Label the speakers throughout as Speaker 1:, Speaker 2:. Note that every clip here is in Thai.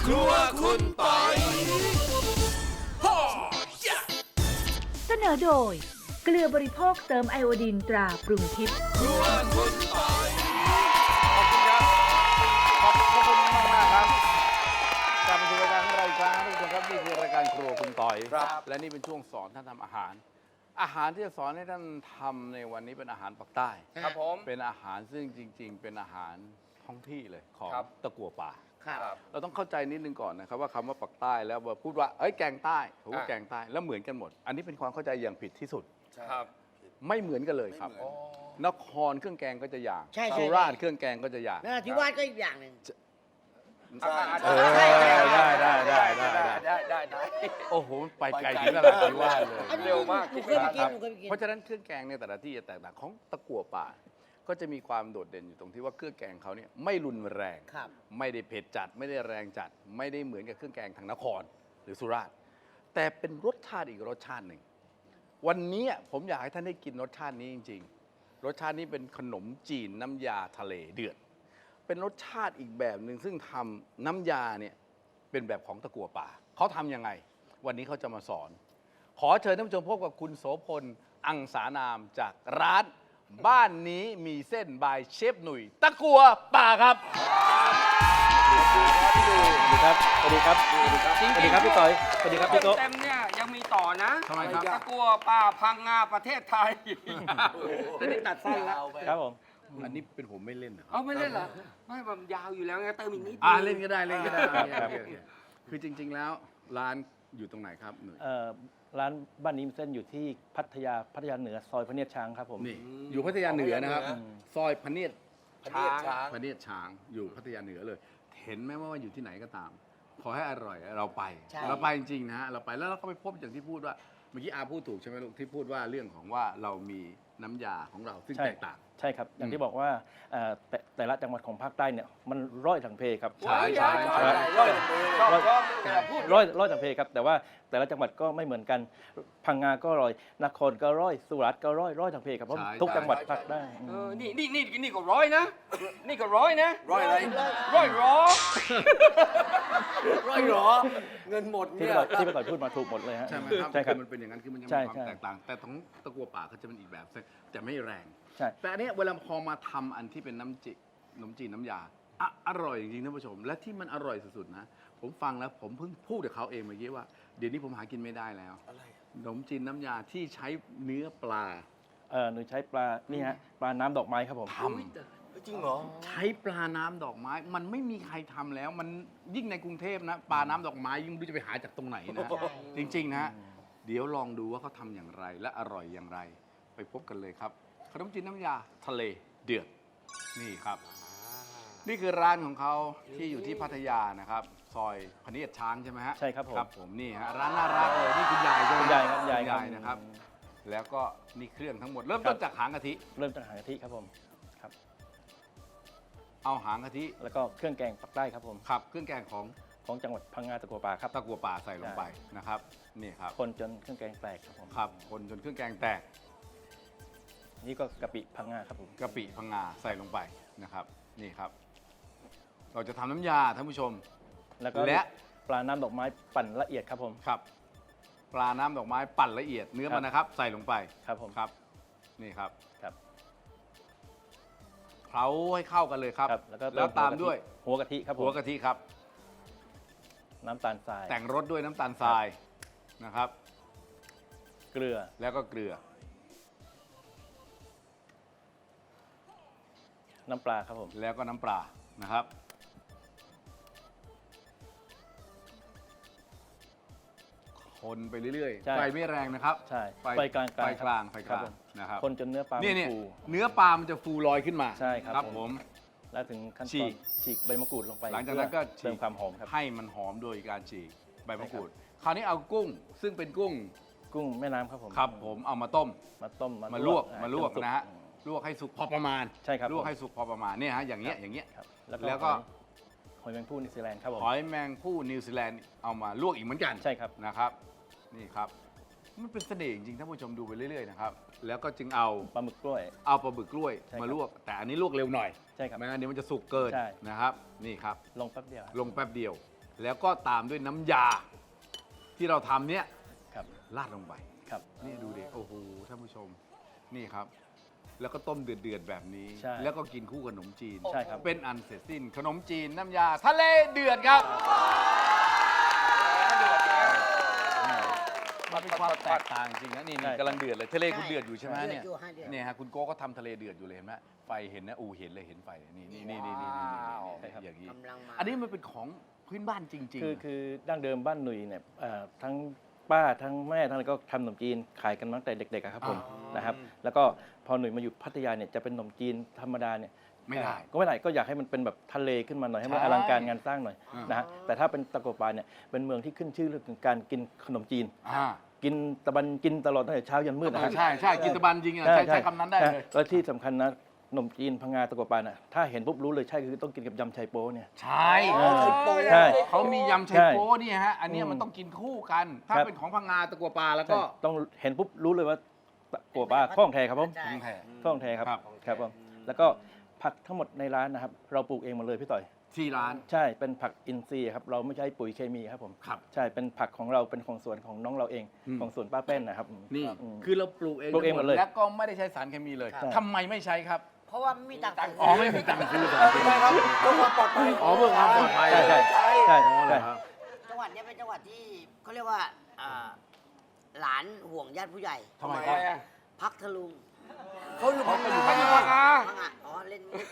Speaker 1: ครัวคุณปอย
Speaker 2: เสนอโดยเกลือบริโภคเติมไอโอดีนตราปรุงทิพย์
Speaker 1: ครัวคุณปอย
Speaker 3: ขอบคุณครับ ขอบคุณมากครับกลับมาสู่รายการของเราอีกครั้งทุกคนครับนี่คือรายการครัวคุณต่อย และนี่เป็นช่วงสอนท่านทำอาหาร อาหารที่จะสอนให้ท่านทำในวันนี้เป็นอาหารปักใต้
Speaker 1: ครับผม
Speaker 3: เป็นอาหารซึ่งจริง ๆ เป็นอาหารท้องที่เลยของ
Speaker 1: ครับ
Speaker 3: ตะกั่วป่า
Speaker 1: ครับ
Speaker 3: เราต้องเข้าใจนิดนึงก่อนนะครับว่าคำว่าปักใต้แล้วพูดว่าเอ้ยแกงใต้ผมว่าแกงใต้แล้วเหมือนกันหมด อันนี้เป็นความเข้าใจอย่างผิดที่สุด
Speaker 1: ครับ
Speaker 3: ไม่เหมือนกันเลยครับ
Speaker 1: ไม่เหมือน
Speaker 3: นครเครื่องแกงก็จะอย่าง
Speaker 4: ใช่
Speaker 3: สุราษฎร์เครื่องแกงก็จะอย่าง
Speaker 4: นราธิวาสก็อีกอย่างหนึ่ง
Speaker 1: ได้
Speaker 3: โอ้โหไปไกลถึงนราธิวาสเลย
Speaker 4: อันนี้
Speaker 1: เร็วมาก
Speaker 4: หนูเคยไปกินหนูเคยไปกิน
Speaker 3: เพราะฉะนั้นเครื่องแกงในแต่ละที่จะแตกต่างของตะกั่วป่า ก็จะมีความโดดเด่นอยู่ตรงที่ว่าเครื่องแกงเขาเนี่ยไม่รุนแรง
Speaker 4: ครับ
Speaker 3: ไม่ได้เผ็ดจัด ไม่ได้แรงจัด ไม่ได้เหมือนกับเครื่องแกงทางนครหรือสุราษฎร์แต่เป็นรสชาติอีกรสชาติหนึ่ง วันนี้ผมอยากให้ท่านได้กินรสชาตินี้จริง ๆ รสชาตินี้เป็นขนมจีนน้ำยาทะเลเดือด เป็นรสชาติอีกแบบหนึ่งซึ่งทำน้ำยาเนี่ยเป็นแบบของตะกั่วป่าเขาทำยังไง วันนี้เขาจะมาสอน ขอเชิญท่านผู้ชมพบกับคุณโสพลอังสานามจากร้านบ้านนี้มีเส้นบายเชฟหนุ่ยตะกั่วป่าครับ
Speaker 5: สวัสดีครับ สวัสดีครับ สวัสดีครับ
Speaker 6: จริงๆ
Speaker 5: สวัสดีครับพี่ต่อย สวัสดีครับพี่โต๊ะ
Speaker 6: เต็มๆเนี่ยยังมีต่อนะ
Speaker 3: ทำไมครับ
Speaker 6: ตะกัวป่าพังงาประเทศไทยแต่นี่ตัดสั้นแล้ว
Speaker 5: ครับผม
Speaker 3: อันนี้เป็นผมไม่เล่นเหรอ
Speaker 6: เอาไม่เล่นเหรอ ไม่มันยาวอยู่แล้วไงเติมอีกนิด
Speaker 3: เล่นก็ได้เล่นก็ได้
Speaker 5: ครับ
Speaker 3: โอเคคือจริง ๆ แล้วร้านอยู่ตรงไหนครับหนุ่ย
Speaker 5: ร้านบ้านนี้มีเส้นอยู่ที่พัทยาเหนือซอยพระเนียดช้างครับผม
Speaker 3: นี่อยู่พัทยาเหนือนะครับ ซอยพระเนียด
Speaker 1: พระเนียดช้าง
Speaker 3: พระเนียดช้างอยู่พัทยาเหนือเลย เห็นไหมว่าอยู่ที่ไหนก็ตาม ขอให้อร่อยเราไป
Speaker 4: ใช่
Speaker 3: เราไปจริงๆนะฮะเราไปแล้วเราก็ไปพบอย่างที่พูดว่าเมื่อกี้อาพูดถูกใช่ไหมลูกที่พูดว่าเรื่องของว่าเรามีน้ำยาของเราซึ่ง
Speaker 5: ใช่
Speaker 3: แตกต่าง
Speaker 5: ใช่ครับ อย่างที่บอกว่าแต่ละจังหวัดของภาคใต้เนี่ยมันร้อยถังเพครับ
Speaker 3: ใช่
Speaker 6: ร้
Speaker 5: ร้อยถังเพครับ แต่ว่าแต่ละจังหวัดก็ไม่เหมือนกัน พังงาก็ร้อย นครก็ร้อย สุราษฎร์ก็ร้อยถังเพครับ เพราะทุกจังหวัดภาคใต้
Speaker 6: นี่ก็ร้อยนะ นี่ก็ร้อยนะ
Speaker 1: ร้อยอะไร
Speaker 6: ร้อยร้อ
Speaker 1: ร้อยหรอ เงินหมด
Speaker 5: ที่
Speaker 1: เนี่ย
Speaker 5: พี่ต่อยพูดมาถูกหมดเลยฮะ
Speaker 3: ใช่ไหมครับ
Speaker 5: ใช่ครับ
Speaker 3: มันเป็นอย่างนั้นคือมันจะ
Speaker 5: ใช่
Speaker 3: มีความ
Speaker 5: ใช่
Speaker 3: แตกต่าง แต่ของตะกัวป่าเขาจะเป็นอีกแบบแต่ไม่แรง
Speaker 5: ใช่
Speaker 3: แต่อันเนี้ยเวลาพอมาทำอันที่เป็นขนมจีนน้ำยาอร่อยจริงๆท่านผู้ชม และที่มันอร่อยสุดๆนะ ผมฟังแล้วผมเพิ่งพูดกับเขาเองเมื่อกี้ว่าเดี๋ยวนี้ผมหากินไม่ได้แล้ว
Speaker 1: อะไร
Speaker 3: ขนมจีนน้ำยาที่ใช้เนื้อปลา
Speaker 5: หนูใช้ปลา นี่ฮะ ปลาน้ำดอกไม้ครับผม
Speaker 3: ท
Speaker 1: จริงเหรอ
Speaker 3: ำใช้ปลาน้ำดอกไม้ มันไม่มีใครทำแล้ว มันยิ่งในกรุงเทพนะปลาน้ำดอกไม้ยิ่งไม่รู้จะไปหาจากตรงไหนนะ จริงๆนะฮะเดี๋ยวลองดูว่าเขาทำอย่างไรและอร่อยอย่างไร ไปพบกันเลยครับขนมจีนน้ำยาทะเลเดือดนี่ครับ นี่คือร้านของเขาที่อยู่ที่พัทยานะครับ ซอยพเนียดช้างใช่ไหมฮะ
Speaker 5: ใช่ครับผม
Speaker 3: ครับผมนี่ฮะร้านน่ารักเลยนี่คุณยายใช่ไหม
Speaker 5: คุณยายครับยาย
Speaker 3: คุณ
Speaker 5: ครับ
Speaker 3: ยายนะครับ แล้วก็นี่เครื่องทั้งหมด เริ่มต้นจากหางกะทิ
Speaker 5: เริ่มจากหางกะทิครับผม ครับ
Speaker 3: เอาหางกะทิ
Speaker 5: แล้วก็เครื่องแกงปักใต้ครับผม
Speaker 3: ขับเครื่องแกงของ
Speaker 5: ของจังหวัดพังงาตะกัวป่าครับ
Speaker 3: ตะกัวป่าใส่ลงไปนะครับนี่ครับ
Speaker 5: คนจนเครื่องแกงแตกครับผม
Speaker 3: ครับคนจนเครื่องแกงแตก
Speaker 5: นี่ก็กะปิพังงาครับผม
Speaker 3: กะปิพังงาใส่ลงไปนะครับนี่ครับ เราจะทำน้ำยาท่านผู้ชม
Speaker 5: แล้วก็
Speaker 3: และ
Speaker 5: ปลาน้ำดอกไม้ปั่นละเอียดครับผม
Speaker 3: ครับ ปลาน้ำดอกไม้ปั่นละเอียดเนื้อมันนะครับ ใส่ลงไป
Speaker 5: ครับผม
Speaker 3: ครับนี่ครับ
Speaker 5: ครับ
Speaker 3: เคล้าให้เข้ากันเลยครับ
Speaker 5: ครับแล้วก็
Speaker 3: แล้วตามด้วย
Speaker 5: หัวกะทิครับผม
Speaker 3: หัวกะทิครับ
Speaker 5: น้ำตาลทราย
Speaker 3: แต่งรสด้วยน้ำตาลทรายนะครับ
Speaker 5: เกลือ
Speaker 3: แล้วก็เกลือ
Speaker 5: น้ำปลาครับผม
Speaker 3: แล้วก็น้ำปลานะครับ คนไปเรื่อย
Speaker 5: ใช่
Speaker 3: ๆไฟไม่แรงนะครับ
Speaker 5: ใช่
Speaker 3: ไฟ
Speaker 5: ไฟกลาง
Speaker 3: ไฟกลาง
Speaker 5: ครับ
Speaker 3: ไฟกลาง
Speaker 5: ครับผม
Speaker 3: นะครับ
Speaker 5: คนจนเนื้อปลา
Speaker 3: เนี่ย
Speaker 5: มันฟู
Speaker 3: เนื้อปลามันจะฟูลอยขึ้นมา
Speaker 5: ใช่ครับ
Speaker 3: ครับ
Speaker 5: ผม
Speaker 3: ผม
Speaker 5: แล้วถึงขั้น
Speaker 3: ฉี
Speaker 5: ตอน
Speaker 3: ก
Speaker 5: ฉีกใบมะกรูดลงไป
Speaker 3: หลังจากนั้นก็
Speaker 5: เพื่อเติมความหอมครับ
Speaker 3: ให้มันหอมโดยการฉีกใบมะกรูด คราวนี้เอากุ้ง ซึ่งเป็นกุ้ง
Speaker 5: กุ้งแม่น้ำครับผม
Speaker 3: ครับผมเอามาต้ม
Speaker 5: มาต้ม
Speaker 3: มาลวก
Speaker 5: อ่
Speaker 3: มาลวก
Speaker 5: จสุ
Speaker 3: นะฮะลวกให้สุกพอประมาณ
Speaker 5: ใช่ครับ
Speaker 3: ลวก
Speaker 5: ผม
Speaker 3: ให้สุกพอประมาณเนี่ยฮะอย่างเงี้ยอย่างเงี้ย
Speaker 5: ครับ
Speaker 3: แล้วก็
Speaker 5: หอยแมงผู้นิวซีแลนด์ครับผม
Speaker 3: หอยแมงผู้นิวซีแลนด์เอามาลวกอีกเหมือนกัน
Speaker 5: ใช่ครับ
Speaker 3: นะครับนี่ครับมันเป็นเสน่ห์จริงๆท่านผู้ชมดูไปเรื่อยๆนะครับแล้วก็จึงเอา
Speaker 5: ปลาหมึกกล้วย
Speaker 3: เอาปลาบึกกล้วย
Speaker 5: ใช่ครับ
Speaker 3: มาลวก แต่อันนี้ลวกเร็วหน่อย
Speaker 5: ใช่ครับ
Speaker 3: ไม่งั้นเดี๋ยวมันจะสุกเกิน
Speaker 5: ใช่
Speaker 3: นะครับนี่ครับ
Speaker 5: ลงแป๊บเดียว
Speaker 3: ลงแป๊บเดียวแล้วก็ตามด้วยน้ำยาที่เราทำเนี่ย
Speaker 5: ครับ
Speaker 3: ราดลงไป
Speaker 5: ครับ
Speaker 3: นี่ดูดิโอ้โหท่านผู้ชมนี่ครับ แล้วก็ต้มเดือดๆแบบนี้
Speaker 5: ใช่
Speaker 3: แล้วก็กินคู่กับขนมจีน
Speaker 5: ใช่ครับ
Speaker 3: เป็นอันเสร็จสิ้นขนมจีนน้ำยาทะเลเดือดครับมันเป็นความแตกต่างจริงนะนี่
Speaker 5: ใช่
Speaker 3: กำลังเดือดเลยทะเลคุณเดือดอยู่ใช่ไหมเนี่ย
Speaker 4: เดือดอยู่ฮะเดือด
Speaker 3: เนี่ยฮะคุณโก้ก็ทำทะเลเดือดอยู่เลยเห็นไหมไฟเห็นนะเห็นเลยเห็นไฟนี่อย่างนี้
Speaker 4: กำลังมา
Speaker 3: อันนี้มันเป็นของพื้นบ้านจริงๆ
Speaker 5: คือดั้งเดิมบ้านหนุ่ยเนี่ยทั้งป้าทั้งแม่ทั้งอะไรก็ทำขนมจีนขายกันมาตั้งแต่เด็กๆอะครับผมนะครับแล้วก็พอหนุ่ยมาอยู่พัทยาเนี่ยจะเป็นขนมจีนธรรมดาเนี่ย
Speaker 3: ไม่ได้
Speaker 5: ก็ไม่ได้ก็อยากให้มันเป็นแบบทะเลขึ้นมาหน่อยให้มัน
Speaker 3: ใช่
Speaker 5: อลังการงานสร้างหน่อย
Speaker 3: อ่าน
Speaker 5: นะฮะแต่ถ้าเป็นตะกัวป่าเนี่ยเป็นเมืองที่ขึ้นชื่อเรื่องการกินขนมจีน กินตะบันกินตลอดตั้งแต่เช้ายันมืดนะฮะ
Speaker 3: ใช่กินตะบันจริงอ่ะใช้คำนั้นได้เลย
Speaker 5: แล้วที่สำคัญนะขนมจีนพังงาตะกัวป่าน่ะถ้าเห็นปุ๊บรู้เลยใช่คือต้องกินกับยำไชโป๊เนี่ย
Speaker 3: ใช่
Speaker 5: ใช่
Speaker 3: เขามียำไชโป๊นี่ฮะอันเนี้ยมันต้องกินคู่กัน ถ้า
Speaker 5: ครับ
Speaker 3: เป็นของพังงาตะกัวปลาแล้วก็
Speaker 5: ต้องเห็นปุ๊บรู้เลยว่าตะกัวป่าข้องแท้ครับผม
Speaker 4: ใช่
Speaker 3: ของแท้
Speaker 5: ข้องแท้ครับ
Speaker 3: ครับ
Speaker 5: ครับผมแล้วก็ผักทั้งหมดในร้านนะครับเราปลูกเองหมดเลยพี่ต่อย
Speaker 3: ที่ร้าน
Speaker 5: ใช่เป็นผักอินทรีย์ครับเราไม่ใช้ปุ๋ยเคมีครับผม
Speaker 3: ครับ
Speaker 5: ใช่เป็นผักของเราเป็นของสวนของน้องเราเอง
Speaker 3: อืม
Speaker 5: ของสวนป้าเป้นนะครับ
Speaker 3: นี่
Speaker 5: อืม
Speaker 3: คือเราปลูกเอง
Speaker 5: ปลูกเองหมดเลย
Speaker 3: แล้วก็ไม่ได้ใช้สารเคมีเลย
Speaker 5: ครับ
Speaker 3: ทำไมไม่ใช้ครับ
Speaker 4: เพราะว่าไม่มีตังค์
Speaker 3: อ๋อไม่มีตังค์ซื้อสารเคมี
Speaker 1: ครับเพื่อความปลอดภัย
Speaker 3: อ๋อเพื่อความปลอดภัย
Speaker 5: ใช่ใช่ใช่
Speaker 3: อ๋อเหร
Speaker 5: ใช่
Speaker 3: อครับ
Speaker 4: จังหวัดเนี้ยเป็นจังหวัดที่เขาเรียกว่าหลานห่วงญาติผู้ใหญ่
Speaker 3: ทำไมครับ
Speaker 4: พักทะลุง
Speaker 1: เขาอยู่พังงา
Speaker 4: พังงาอ๋อเล่นมุก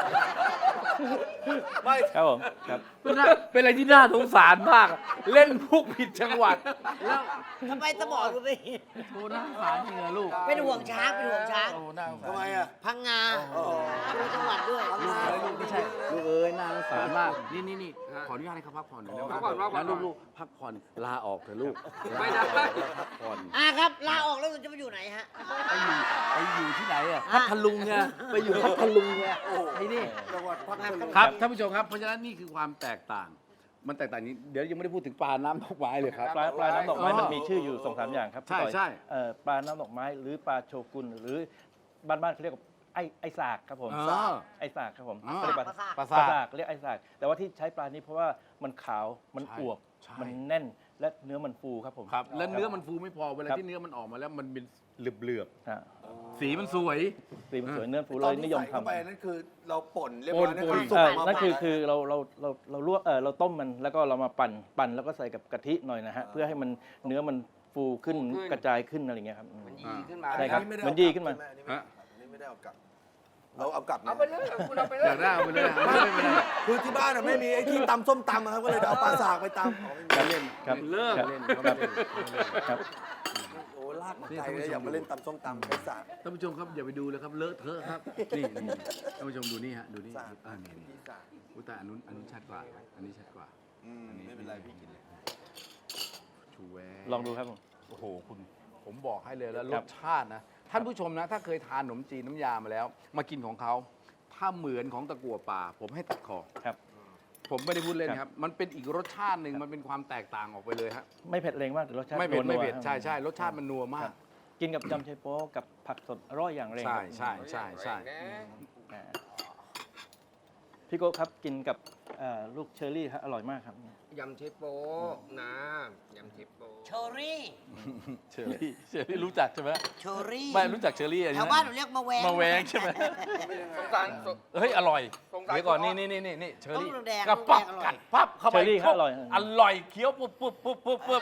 Speaker 1: ไม่
Speaker 5: ครับผมครับ
Speaker 3: เป็นอะไรที่น่าสงสารมาก เล่นพุกผิดจังหวัด แล้ว
Speaker 4: ทำไมสมองกูไม่
Speaker 3: โอ้น่าสงสารจริงเหรอลูก
Speaker 4: เป็นห่วงช้างเป็นห่วงช้าง
Speaker 3: โอ้น่าสงสาร
Speaker 1: ทำไมอ่ะ
Speaker 4: พังงาดูจังหวัดด้วย
Speaker 3: ลูกไม่ใช่ลูกเอ้ยน่าสงสารมากนี่ขออนุญาตให้เขาพักผ่อนหน่อยได้ไหม
Speaker 6: พักผ่อนพักผ่อน
Speaker 3: แล้วลูกพักผ่อนลาออกเถอะลูก
Speaker 6: ไม่ได้
Speaker 3: พักผ่อน
Speaker 4: ครับลาออกแล้วจะไปอยู่ไหนฮะ
Speaker 3: ไปอยู่ที่ไหนอ่ะพัทลุงไงไปอยู่พัทลุงไงไอ้นี่
Speaker 1: จังหวัดพัทลุง
Speaker 3: ครับท่านผู้ชมครับเพราะฉะนั้นนี่คือความแตกต่าง มันแตกต่างนี้เดี๋ยวยังไม่ได้พูดถึงปลาน้ำดอกไม้เลยครับ
Speaker 5: ปลาน้ำดอกไม้
Speaker 3: อ๋อ
Speaker 5: มันมีชื่ออยู่2-3อย่างครับ
Speaker 3: ใช่
Speaker 5: พี่ต่อย
Speaker 3: ใช่
Speaker 5: ปลาน้ำดอกไม้หรือปลาโชกุนหรือบ้านๆเขาเรียกว่าไอสากครับผม
Speaker 3: อ๋อ
Speaker 5: ไอสากครับผม
Speaker 3: อ๋อ
Speaker 5: เขาเรียกปลา
Speaker 4: ปลาสาก
Speaker 3: ปลา
Speaker 5: ปลา
Speaker 3: ซา
Speaker 5: สากเรียกไอสากแต่ว่าที่ใช้ปลานี้เพราะว่ามันขาวมัน
Speaker 3: ใช่
Speaker 5: อวบ
Speaker 3: ใช่
Speaker 5: มันแน่นและเนื้อมันฟูครับผม
Speaker 3: ครับแล้วเนื้อมันฟูไม่พอเวลา
Speaker 5: ครับ
Speaker 3: ที่เนื้อมันออกมาแล้วมันเป็นเหลือบ
Speaker 5: ฮะ
Speaker 3: ๆสีมันสวย
Speaker 5: สีมันสวยเนื้อฟู
Speaker 1: ต
Speaker 5: เล
Speaker 1: อน
Speaker 5: ย
Speaker 1: ที่
Speaker 5: นิยม
Speaker 1: ใส่เข้า
Speaker 5: ทำ
Speaker 1: ไปนั่นคือเราป่นเรียบร้อยนั่นคือสุก มา
Speaker 5: นั่นคือ
Speaker 1: ปั่
Speaker 5: คือเราลวกเราต้มมันแล้วก็เรามาปั่นแล้วก็ใส่กับกะทิหน่อยนะฮะเพื่อให้มันเนื้อมันฟูขึ้น
Speaker 6: ฟูขึ้น
Speaker 5: กระจายขึ้นอะไรอย่างเงี้ยครับ
Speaker 6: มันยีขึ้นมา
Speaker 5: ใช่ครับ
Speaker 1: อั
Speaker 5: มันดีขึ้นมา
Speaker 1: อันนี้ไม่ได้เอากลับเราเอากลับ
Speaker 6: เอาไปเลยคุณเอาไปเล
Speaker 3: อย ยากได้เอาไปเลยไม่ได้
Speaker 1: คือที่บ้านไม่มีไอ้ที่ตำส้มตำครับก็เลยเอาปลาสากไปตำ
Speaker 3: เขาเล่น
Speaker 5: ครับ
Speaker 3: เลิก
Speaker 5: ครับ
Speaker 3: เล่นเขาไม่เล่น
Speaker 5: ครับ
Speaker 1: โอ้ลากมาไกลเลยอยากมาเล่นตำส้มตำไปสาก
Speaker 3: ท่านผู้ชมครับอย่าไปดูเลยครับเลอะเทอะครับนี่ท่านผู้ชมดูนี่ฮะดูนี่นี่
Speaker 1: พี่สาก
Speaker 3: อุยแต่อันนู้นชัดกว่าอันนี้ชัดกว่า
Speaker 1: ไม่เป็นไรพี่กินเลย
Speaker 3: ชูแว
Speaker 5: ลองดูครับผม
Speaker 3: โอ้โหคุณผมบอกให้เลยแล้วร
Speaker 5: ครับ
Speaker 3: สชาตินะท่านผู้ชมนะถ้าเคยทานขนมจีนน้ำยามาแล้ว มากินของเขาถ้าเหมือนของตะกั่วป่า ผมให้ตัดคอ
Speaker 5: ครับ
Speaker 3: ผมไม่ได้พูดเล่นครับ มันเป็นอีกรสชาติหนึ่งมันเป็นความแตกต่างออกไปเลยฮะ
Speaker 5: ไม่เผ็ดแรงมากแต่รสชาติ
Speaker 3: ไม่เผ็ด
Speaker 5: นัวๆ
Speaker 3: ไม่เผ็ด
Speaker 5: ครับ
Speaker 3: ใช่รสชาติมันนัวมาก
Speaker 5: กินกับยำไชโป๊กับผักสดอร่อยอย่างแรง
Speaker 3: ใช่
Speaker 5: ครับ
Speaker 3: ใช่
Speaker 5: อ่าพี่โก้ครับกินกับลูกเชอร์รี่ครับอร่อยมากครับ
Speaker 6: ยำเชฟโป้นะยำเชฟโป้
Speaker 4: เชอรี่
Speaker 3: เชอรี่รู้จักใช่ไหม
Speaker 4: เชอรี่
Speaker 3: ไม่รู้จักเชอรี่อัน
Speaker 4: แถ
Speaker 3: นี้
Speaker 4: วบ้านหนูเรียกมาแวง
Speaker 3: มาแวงใช่ไหม
Speaker 6: สงสาร
Speaker 3: เฮ้ยอร่อย
Speaker 6: สงสาร
Speaker 3: เดี๋ยวก่อน
Speaker 6: คุณ
Speaker 3: นี่
Speaker 6: อ๊อฟ
Speaker 3: นี่เชอรี่
Speaker 4: ต้องแดง
Speaker 3: กระปับ
Speaker 4: ต้องแดงอร่อย
Speaker 3: กัดปั๊บเข้าไป
Speaker 5: เชอรี่ครับอร่อย
Speaker 3: อร่อยเคี้ยวปุ๊บ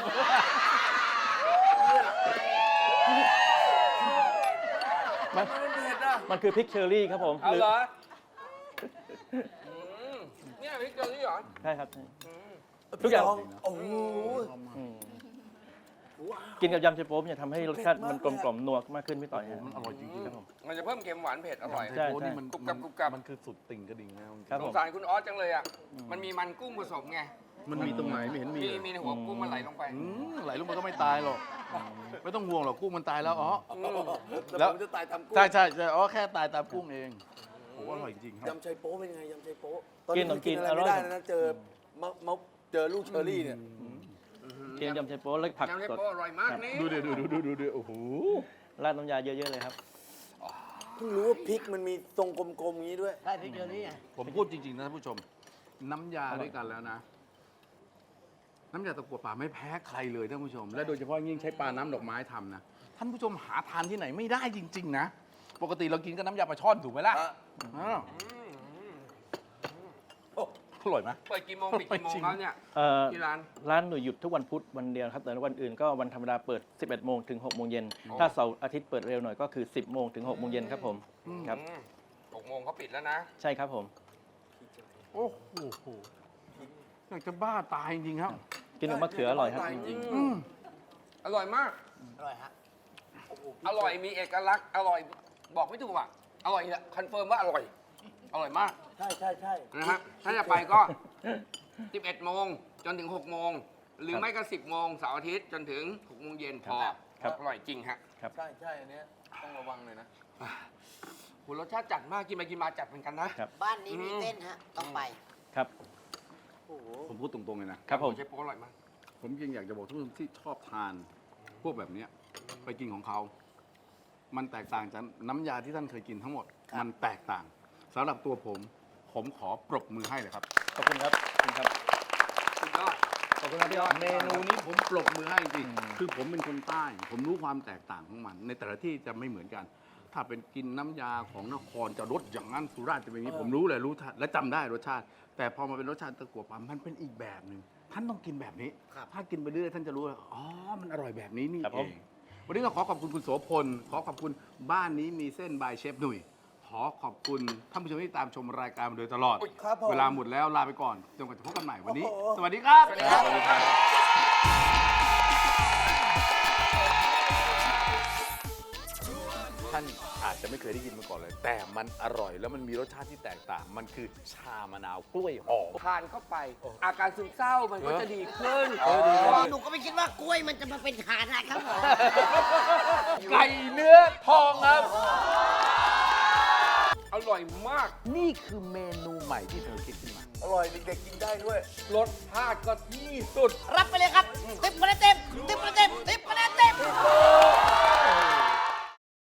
Speaker 5: มันคือพริกเชอร์รี่ครับผม
Speaker 6: เอาเหรอเนี่ยพริกเกลือนี่เหรอ
Speaker 5: ใช่ครับ
Speaker 1: ทุกอย่างโอ้โห
Speaker 5: อืมกินกับยำไชโป๊เนี่ยทำให้รสชาติมันกลมกล่อมนัวมากขึ้นพี่ต่อยฮะ
Speaker 3: มันอร่อยจริงๆครับผม
Speaker 6: มันจะเพิ่มเค็มหวานเผ็ดอร่อย
Speaker 5: ใช่
Speaker 3: โอ้นี่มัน
Speaker 6: กรุบกรับ
Speaker 3: มันคือสุดติ่งกระดิ่งนะ
Speaker 5: ครับ
Speaker 6: ส
Speaker 5: ผ
Speaker 6: ง
Speaker 5: ม
Speaker 6: สารคุณออสจังเลยอ่ะ มันมีมันกุ้งผสมไง
Speaker 3: มันมีตรงไหนไม่เห็นมี
Speaker 6: มีในหัวกุ้งมันไหลลงไป
Speaker 3: ไหลลงมันก็ไม่ตายหรอกไม่ต้องห่วงหรอกกุ้งมันตายแล้วอ๋อ
Speaker 1: แล้วผมจะตายทำกุ้ง
Speaker 3: ใช่อ๋อแค่ตายตามกุ้งเองโอ้อร่อยจริงครับ
Speaker 1: ยำไชโป๊เป็นยังไงยำไชโป๊
Speaker 5: กินขนมจีน
Speaker 1: อะไรไม่
Speaker 5: อร่อย
Speaker 1: ได้นะเจอเจอลูกเชอรี่เนี่ย
Speaker 5: กินยำไชโป๊แล้วผัก
Speaker 6: ยำเชฟ
Speaker 5: สด
Speaker 6: โป้อร่อยมากนี่
Speaker 3: ดูดิโอ้โห
Speaker 5: ราดน้ำยาเยอะๆเลยครับ
Speaker 1: เพิ่งรู้ว่าพริกมันมีทรงกลมๆอย่างนี้ด้วย
Speaker 4: ใช่พริกเชอรี่ไง
Speaker 3: ผมพูดจริงๆนะท่านผู้ชม น้ำยาด้วยกันแล้วนะน้ำยาตะกั่วป่าไม่แพ้ใครเลยท่านผู้ชม และโดยเฉพาะยิ่งใช้ปลาน้ำดอกไม้ทำนะท่านผู้ชมหาทานที่ไหนไม่ได้จริง ๆ นะ ปกติเรากินกับน้ำยาปลาช่อนถูกไหมล่ะอ้าวอร่อยไหม
Speaker 6: เปิดกี่โมงปิดกี่โมงแล้วเนี่ย
Speaker 5: เอ่อ
Speaker 6: ที่ร้าน
Speaker 5: ร้านหนูหยุดทุกวันพุธวันเดียวครับแต่วันอื่นก็วันธรรมดาเปิด 11 โมงถึง 6 โมงเย็น ถ้าเสาร์อาทิตย์เปิดเร็วหน่อยก็คือ 10 โมงถึง 6 โมงเย็นครับผมครับ
Speaker 6: 6 โมงเขาปิดแล้วนะ
Speaker 5: ใช่ครับผม
Speaker 3: โอ้โหอยากจะบ้าตายจริงๆครับ
Speaker 5: กินกับมะเขืออร่อยครับ
Speaker 6: อร่อยมาก
Speaker 4: อร่อยฮะ
Speaker 6: อร่อยมีเอกลักษณ์ อร่อยบอกไม่ถูกอ่ะ อร่อยเนี่ยคอนเฟิร์มว่าอร่อย อร่อยมาก
Speaker 1: ใช่ใช่ใช่
Speaker 6: นะฮะ ถ้าจะไปก็ 11 โมงจนถึง 6 โมง หรือไม่ก็ 10 โมงเสาร์อาทิตย์จนถึง 6 โมงเย็นพอ
Speaker 5: ครับ
Speaker 6: อร่อยจริงฮะ
Speaker 1: ใช่ใช่อันเนี้ยต้องระวังเลยนะ
Speaker 6: โหรสชาติจัดมาก กินไปกินมาจัดเหมือนกันนะ
Speaker 4: บ้านนี้มีเต้นฮะ ต้องไป
Speaker 5: ครับ
Speaker 3: ผมพูดตรงๆเลยนะครับ
Speaker 5: ผม
Speaker 6: เชฟโป๊อร่อยมาก
Speaker 3: ผมยังอยากจะบอกทุกคนที่ชอบทาน พวกแบบเนี้ยไปกินของเขา มันแตกต่างจากน้ำยาที่ท่านเคยกินทั้งหมด มันแตกต่างสำหรับตัวผมขอปรบมือให้เลยครับ
Speaker 5: ขอบคุณครับขอบคุณครับ
Speaker 6: สุดยอด
Speaker 3: ขอบคุณครับพี่เมนูนี้ผมปรบมือให้จริงๆคือผมเป็นคนใต้ ผมรู้ความแตกต่างของมัน ในแต่ละที่จะไม่เหมือนกัน ถ้าเป็นกินน้ำยาของนครจะรสอย่างนั้นสุราษฎร์จะเป็นอย่างนี้ผมรู้เลยรู้ทันและจำได้รสชาติ แต่พอมาเป็นรสชาติตะกั่วป่ามันเป็นอีกแบบหนึ่งท่านต้องกินแบบนี้ ถ้ากินไปเรื่อยๆท่านจะรู้ว่าอ๋อมันอร่อยแบบนี้นี่
Speaker 5: ครับ
Speaker 3: เอ
Speaker 5: ผม
Speaker 3: งวันนี้ก็ขอขอบคุณคุณโสพลขอขอบคุณบ้านนี้มีเส้นบายเชฟหนุ่ยขอขอบคุณท่านผู้ชมที่ตามชมรายการมาโดยตลอด
Speaker 1: ครับผม
Speaker 3: เวลาหมดแล้วลาไปก่อนจนกว่าจะพบกันใหม่วันนี้ สวัสดีครับ
Speaker 6: สวัสดีครับ
Speaker 3: ท่านอาจจะไม่เคยได้ยินมาก่อนเลย แต่มันอร่อยแล้วมันมีรสชาติที่แตกต่าง มันคือชามะนาวกล้วยหอม
Speaker 6: ทานเข้าไป อาการซึมเศร้ามันก็จะดีขึ้น
Speaker 4: หนูก็ไม่คิดว่ากล้วยมันจะมาเป็นฐานะครับผม
Speaker 3: ไก่เนื้อทองครับ
Speaker 6: อร่อยมาก
Speaker 3: นี่คือเมนูใหม่ที่เธอคิดขึ้นมา
Speaker 1: อร่อยเด็กๆกินได้ด้วย
Speaker 6: รสชาติก็ที่สุด
Speaker 4: รับไปเลยครับติ๊บคะแนนเต็มติ๊บคะแนนเต็มติ๊บคะแนนเต็ม